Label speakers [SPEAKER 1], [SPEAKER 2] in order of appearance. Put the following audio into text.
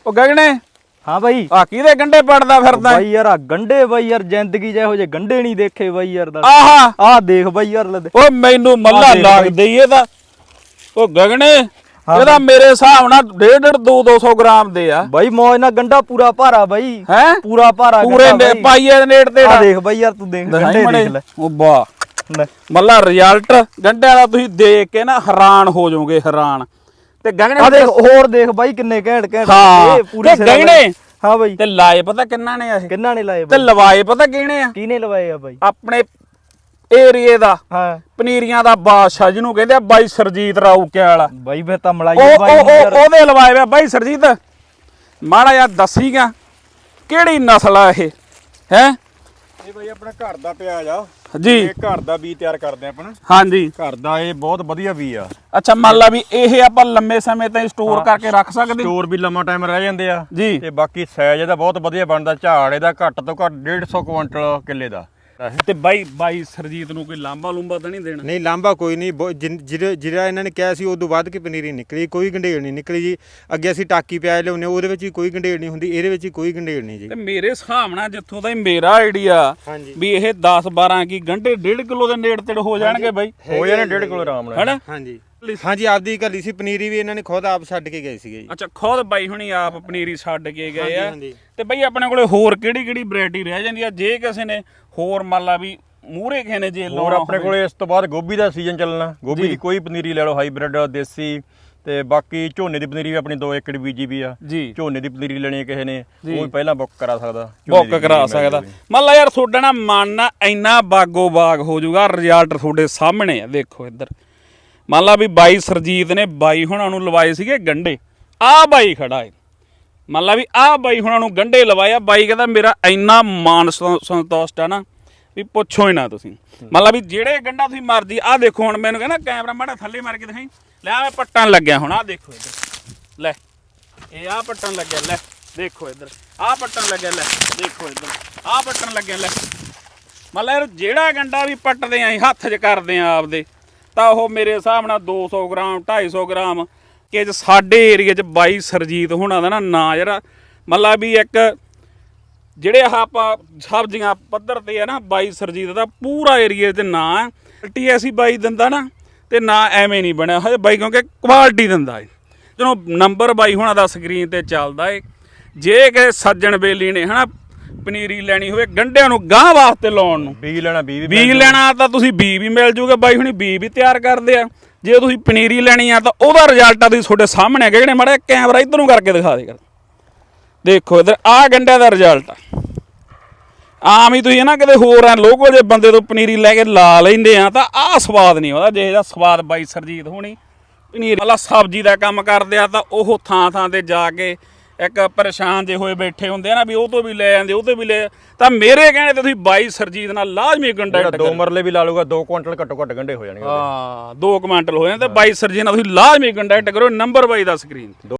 [SPEAKER 1] ਉਹ ਗਗਨੇ
[SPEAKER 2] हाँ भाई
[SPEAKER 1] ਆ ਕਿਹਦੇ ਗੰਡੇ ਪੜਦਾ ਫਿਰਦਾ
[SPEAKER 2] भाई यार गंडे भाई यार जिंदगी ਜਿਹੋ ਜੇ ਗੰਡੇ ਨਹੀਂ ਦੇਖੇ ਬਾਈ ਯਾਰ ਦਾ
[SPEAKER 1] ਆਹਾ
[SPEAKER 2] ਆਹ ਦੇਖ ਬਾਈ ਯਾਰ ਲੈ
[SPEAKER 1] ਓ ਮੈਨੂੰ ਮੱਲਾ ਲੱਗਦੇ ਈ ਇਹਦਾ ਉਹ ਗਗਨੇ ਇਹਦਾ ਮੇਰੇ ਹਿਸਾਬ ਨਾਲ 1.5-200 ਗ੍ਰਾਮ ਦੇ ਆ
[SPEAKER 2] ਬਾਈ ਮੌਜ ਨਾਲ ਗੰਡਾ ਪੂਰਾ ਭਾਰਾ ਬਾਈ
[SPEAKER 1] ਹੈ
[SPEAKER 2] ਪੂਰਾ ਭਾਰਾ
[SPEAKER 1] ਪੂਰੇ ਨੇ ਪਾਈਏ ਨੇੜ ਤੇ
[SPEAKER 2] ਆ ਦੇਖ ਬਾਈ ਯਾਰ ਤੂੰ ਦੇਖ ਗੰਡੇ ਦੇਖ ਲੈ
[SPEAKER 1] ਉਹ ਵਾਹ ਮੱਲਾ ਰਿਜ਼ਲਟ ਗੰਡਿਆਂ ਦਾ ਤੁਸੀਂ ਦੇਖ ਕੇ ਨਾ ਹੈਰਾਨ ਹੋ ਜਾਓਗੇ ਹੈਰਾਨ ਤੇ ਗਗਨੇ
[SPEAKER 2] ਆ ਦੇਖ ਹੋਰ ਦੇਖ ਬਾਈ ਕਿੰਨੇ ਘੈਂਟ
[SPEAKER 1] ਹਾਂ
[SPEAKER 2] ਪੂਰੇ
[SPEAKER 1] ਗਗਨੇ
[SPEAKER 2] ਹਾਂ ਬਾਈ
[SPEAKER 1] ਤੇ ਲਾਏ ਪਤਾ ਕਿੰਨਾ ਨੇ ਇਹ
[SPEAKER 2] ਕਿੰਨਾ ਨੇ ਲਾਏ
[SPEAKER 1] ਤੇ ਲਵਾਏ ਪਤਾ ਕਿਹਨੇ ਆ
[SPEAKER 2] ਕਿਹਨੇ ਲਵਾਏ ਆ ਬਾਈ
[SPEAKER 1] ਆਪਣੇ ਏਰੀਏ ਦਾ
[SPEAKER 2] ਹਾਂ
[SPEAKER 1] ਪਨੀਰੀਆਂ ਦਾ ਬਾਦਸ਼ਾਹ ਜਿਹਨੂੰ ਕਹਿੰਦੇ ਆ ਬਾਈ ਸਰਜੀਤ ਰਾਊਕੇ ਵਾਲਾ
[SPEAKER 2] ਬਾਈ ਫੇ ਤਾਂ ਮਲਾਈ
[SPEAKER 1] ਬਾਈ ਉਹਦੇ ਲਵਾਏ ਵੇ ਬਾਈ ਸਰਜੀਤ ਮਾੜਾ ਯਾਰ ਦੱਸੀਗਾ ਕਿਹੜੀ ਨਸਲ ਆ ਇਹ ਹੈ
[SPEAKER 3] ਇਹ ਬਾਈ ਆਪਣਾ ਘਰ ਦਾ ਪਿਆਜ਼ ਆ
[SPEAKER 1] ਜੀ
[SPEAKER 3] ਇਹ ਘਰ ਦਾ ਬੀਜ ਤਿਆਰ ਕਰਦੇ ਆਪਣਾ
[SPEAKER 1] ਹਾਂਜੀ
[SPEAKER 3] ਘਰ ਦਾ ਇਹ ਬਹੁਤ ਵਧੀਆ ਬੀਜ ਆ
[SPEAKER 1] ਅੱਛਾ ਮੰਨ ਲਾ ਵੀ ਇਹ ਆਪਾਂ ਲੰਮੇ ਸਮੇਂ ਤਾਈਂ ਸਟੋਰ ਕਰਕੇ ਰੱਖ ਸਕਦੇ
[SPEAKER 3] ਸਟੋਰ ਵੀ ਲੰਮਾ ਟਾਈਮ ਰਹਿ ਜਾਂਦੇ ਆ
[SPEAKER 1] ਜੀ
[SPEAKER 3] ਤੇ ਬਾਕੀ ਸਾਈਜ਼ ਇਹਦਾ ਬਹੁਤ ਵਧੀਆ ਬਣਦਾ ਝਾੜ ਇਹਦਾ ਘੱਟ ਤੋਂ ਘੱਟ 150 ਕੁਇੰਟਲ ਕਿੱਲੇ ਦਾ
[SPEAKER 1] ਤੇ ਬਾਈ ਸਰਜੀਤ ਨੂੰ ਕੋਈ ਲਾਂਬਾ ਲੂੰਬਾ ਤਾਂ ਨਹੀਂ ਦੇਣਾ
[SPEAKER 3] ਨਹੀਂ ਲਾਂਬਾ ਕੋਈ ਨਹੀਂ ਜਿਹੜਾ ਇਹਨਾਂ ਨੇ ਕਿਹਾ ਸੀ ਉਦੋਂ ਵੱਧ ਕੇ ਪਨੀਰੀ ਨਿਕਲੀ ਕੋਈ ਗੰਢੇੜ ਨਹੀਂ ਨਿਕਲੀ ਜੀ ਅੱਗੇ ਅਸੀਂ ਟਾਕੀ ਪਿਆਜ਼ ਲਿਆਉਂਦੇ ਉਹਦੇ ਵਿੱਚ ਵੀ ਕੋਈ ਗੰਢੇੜ ਨਹੀਂ ਹੁੰਦੀ ਇਹਦੇ ਵਿੱਚ ਵੀ ਕੋਈ ਗੰਢੇੜ ਨਹੀਂ ਜੀ
[SPEAKER 1] ਤੇ ਮੇਰੇ ਹਿਸਾਬ ਨਾਲ ਜਿੱਥੋਂ ਦਾ ਮੇਰਾ ਆਈਡੀਆ ਵੀ ਇਹ 10-12 ਕੀ ਗੰਢੇ 1.5 ਕਿਲੋ ਦੇ ਨੇੜੇ ਤੇੜ ਹੋ ਜਾਣਗੇ ਬਾਈ
[SPEAKER 3] ਹੋ ਜਾਣੇ 1.5 ਕਿਲੋ ਆਰਾਮ ਨਾਲ
[SPEAKER 1] ਹੈਨਾ
[SPEAKER 3] ਹਾਂਜੀ ਹਾਂਜੀ ਆਪਦੀ ਘੱਲੀ ਸੀ ਪਨੀਰੀ ਵੀ ਇਹਨਾਂ ਨੇ ਖੁਦ ਆਪ ਛੱਡ ਕੇ ਗਏ ਸੀਗੇ ਜੀ
[SPEAKER 1] ਅੱਛਾ ਖੁਦ ਬਾਈ ਹੁਣੀ ਆਪ ਪਨੀਰੀ ਛੱਡ ਕੇ ਗਏ ਆ ਤੇ ਬਾਈ ਆਪਣੇ ਕੋਲੇ ਹੋਰ ਕਿਹੜੀ ਵੈਰਾਈਟੀ ਰਹਿ ਜਾਂਦੀ ਆ ਜੇ ਕਿਸੇ ਨੇ ਹੋਰ ਮੰਨ ਲਾ ਵੀ ਮੂਹਰੇ ਕਿਸੇ ਨੇ ਜੇ
[SPEAKER 3] ਹੋਰ ਆਪਣੇ ਕੋਲੇ ਇਸ ਤੋਂ ਬਾਅਦ ਗੋਭੀ ਦਾ ਸੀਜ਼ਨ ਚੱਲਣਾ ਗੋਭੀ ਦੀ ਕੋਈ ਪਨੀਰੀ ਲੈ ਲਓ ਹਾਈਬ੍ਰਿਡ ਦੇਸੀ ਤੇ ਬਾਕੀ ਝੋਨੇ ਦੀ ਪਨੀਰੀ ਵੀ ਆਪਣੀ 2 ਏਕੜ ਬੀਜੀ ਵੀ ਆ
[SPEAKER 1] ਜੀ
[SPEAKER 3] ਝੋਨੇ ਦੀ ਪਨੀਰੀ ਲੈਣੀ ਕਿਸੇ ਨੇ ਉਹ ਵੀ ਪਹਿਲਾਂ ਬੁੱਕ ਕਰਾ ਸਕਦਾ
[SPEAKER 1] ਬੁੱਕ ਕਰਾ ਸਕਦਾ ਮੰਨ ਲਾ ਯਾਰ ਤੁਹਾਡਾ ਨਾ ਮਨ ਨਾ ਇੰਨਾ ਬਾਗੋ ਬਾਗ ਹੋ ਜਾਊਗਾ ਰਿਜ਼ਲਟ ਤੁਹਾਡੇ ਸਾਹਮਣੇ ਆ ਦੇਖੋ ਇੱਧਰ ਮੰਨ ਲਾ ਵੀ ਬਾਈ ਸਰਜੀਤ ਨੇ ਬਾਈ ਹੁਣਾਂ ਨੂੰ ਲਵਾਏ ਸੀਗੇ ਗੰਡੇ ਆਹ ਬਾਈ ਖੜਾ ਏ ਮੰਨ ਲਾ ਵੀ ਆਹ ਬਾਈ ਹੁਣਾਂ ਨੂੰ ਗੰਡੇ ਲਵਾਏ ਆ ਬਾਈ ਕਹਿੰਦਾ ਮੇਰਾ ਇੰਨਾ ਮਾਨ ਸੰਤੁਸ਼ਟ ਆ ਨਾ ਵੀ ਪੁੱਛੋ ਹੀ ਨਾ ਤੁਸੀਂ ਮੰਨ ਲਾ ਵੀ ਜਿਹੜੇ ਗੰਡਾ ਤੁਸੀਂ ਮਰਜੀ ਆਹ ਦੇਖੋ ਹੁਣ ਮੈਨੂੰ ਕਹਿੰਦਾ ਕੈਮਰਾ ਮਾੜਾ ਥੱਲੇ ਮਾਰ ਕੇ ਦਿਖਾਈ ਲੈ ਮੈਂ ਪੱਟਣ ਲੱਗਿਆ ਹੁਣ ਆਹ ਦੇਖੋ ਇੱਧਰ ਲੈ ਇਹ ਆਹ ਪੱਟਣ ਲੱਗਿਆ ਲੈ ਦੇਖੋ ਇੱਧਰ ਆਹ ਪੱਟਣ ਲੱਗਿਆ ਲੈ ਦੇਖੋ ਇੱਧਰ ਆਹ ਪੱਟਣ ਲੱਗਿਆ ਲੈ ਮੰਨ ਲਾ ਯਾਰ ਜਿਹੜਾ ਗੰਡਾ ਵੀ ਪੱਟਦੇ ਆਂ ਹੱਥ 'ਚ ਕਰਦੇ ਆਂ ਆਪਦੇ ਤਾਂ ਉਹ ਮੇਰੇ ਹਿਸਾਬ ਨਾਲ 200 ਗ੍ਰਾਮ 250 ਗ੍ਰਾਮ ਕਿ ਸਾਡੇ ਏਰੀਏ 'ਚ ਬਾਈ ਸਰਜੀਤ ਹੋਣਾ ਦਾ ਨਾ ਯਾਰ ਮੰਨ ਲਾ ਵੀ ਇੱਕ ਜਿਹੜੇ ਆਹ ਆਪਾਂ ਸਬਜ਼ੀਆਂ ਪੱਧਰ ਤੇ ਆ ਨਾ ਬਾਈ ਸਰਜੀਤ ਦਾ ਪੂਰਾ ਏਰੀਏ 'ਚ ਨਾਂ ਕੁਆਲਿਟੀ ਐਸੀ ਬਾਈ ਦਿੰਦਾ ਨਾ ਤੇ ਨਾ ਐਵੇਂ ਨਹੀਂ ਬਣਿਆ ਹਜੇ ਬਾਈ ਕਿਉਂਕਿ ਕੁਆਲਿਟੀ ਦਿੰਦਾ ਏ ਜਦੋਂ ਨੰਬਰ ਬਾਈ ਹੋਣਾ ਦਾ ਸਕਰੀਨ ਤੇ ਚੱਲਦਾ ਏ ਜੇ ਕਿਸੇ ਸੱਜਣ ਬੇਲੀ ਨੇ ਹਨਾ ਪਨੀਰੀ ਲੈਣੀ ਹੋਵੇ ਗੰਢਿਆਂ ਨੂੰ ਗਾਂ ਵਾਸਤੇ ਲਾਉਣ ਨੂੰ
[SPEAKER 3] ਬੀਜ ਲੈਣਾ
[SPEAKER 1] ਬੀਜ ਲੈਣਾ ਤਾਂ ਤੁਸੀਂ ਬੀਜ ਵੀ ਮਿਲ ਜੂਗਾ ਬਾਈ ਹੁਣੀ ਬੀਜ ਵੀ ਤਿਆਰ ਕਰਦੇ ਆ ਜੇ ਤੁਸੀਂ ਪਨੀਰੀ ਲੈਣੀ ਆ ਤਾਂ ਉਹਦਾ ਰਿਜ਼ਲਟ ਆ ਤੁਸੀਂ ਤੁਹਾਡੇ ਸਾਹਮਣੇ ਹੈਗਾ ਜਿਹੜੇ ਮਾੜਾ ਕੈਮਰਾ ਇੱਧਰ ਨੂੰ ਕਰਕੇ ਦਿਖਾ ਦੇ ਕਰ ਦੇਖੋ ਇੱਧਰ ਆਹ ਗੰਢਿਆਂ ਦਾ ਰਿਜ਼ਲਟ ਆ ਆਮ ਹੀ ਤੁਸੀਂ ਨਾ ਕਿਤੇ ਹੋਰ ਆ ਲੋਕਲ ਜੇ ਬੰਦੇ ਤੋਂ ਪਨੀਰੀ ਲੈ ਕੇ ਲਾ ਲੈਂਦੇ ਆ ਤਾਂ ਆਹ ਸਵਾਦ ਨਹੀਂ ਆਉਂਦਾ ਜਿਹੇ ਦਾ ਸਵਾਦ ਬਾਈ ਸਰਜੀਤ ਹੋਣੀ ਪਨੀਰ ਵਾਲਾ ਸਬਜ਼ੀ ਦਾ ਕੰਮ ਕਰਦੇ ਆ ਤਾਂ ਉਹ ਥਾਂ ਤੇ ਜਾ ਕੇ ਇੱਕ ਪਰੇਸ਼ਾਨ ਜੇ ਹੋਏ ਬੈਠੇ ਹੁੰਦੇ ਆ ਨਾ ਵੀ ਉਹ ਤੋਂ ਵੀ ਲੈ ਜਾਂਦੇ ਉਹ ਤੋਂ ਵੀ ਲੈ ਤਾਂ ਮੇਰੇ ਕਹਿਣੇ ਤੇ ਤੁਸੀਂ ਬਾਈ ਸਰਜੀਤ ਨਾਲ ਲਾਜ਼ਮੀ ਕੰਟੈਕਟ ਕਰੋ
[SPEAKER 3] 2 ਮਰਲੇ ਵੀ ਲਾ ਲੂਗਾ 2 ਕੁਇੰਟਲ ਘੱਟੋ ਘੱਟ ਗੰਢੇ ਹੋ ਜਾਣਗੇ
[SPEAKER 1] ਹਾਂ 2 ਕੁਇੰਟਲ ਹੋ ਜਾਂਦੇ ਬਾਈ ਸਰਜੀਤ ਨਾਲ ਤੁਸੀਂ ਲਾਜ਼ਮੀ ਕੰਟੈਕਟ ਕਰੋ ਨੰਬਰ ਬਾਈ ਦਾ ਸਕਰੀਨ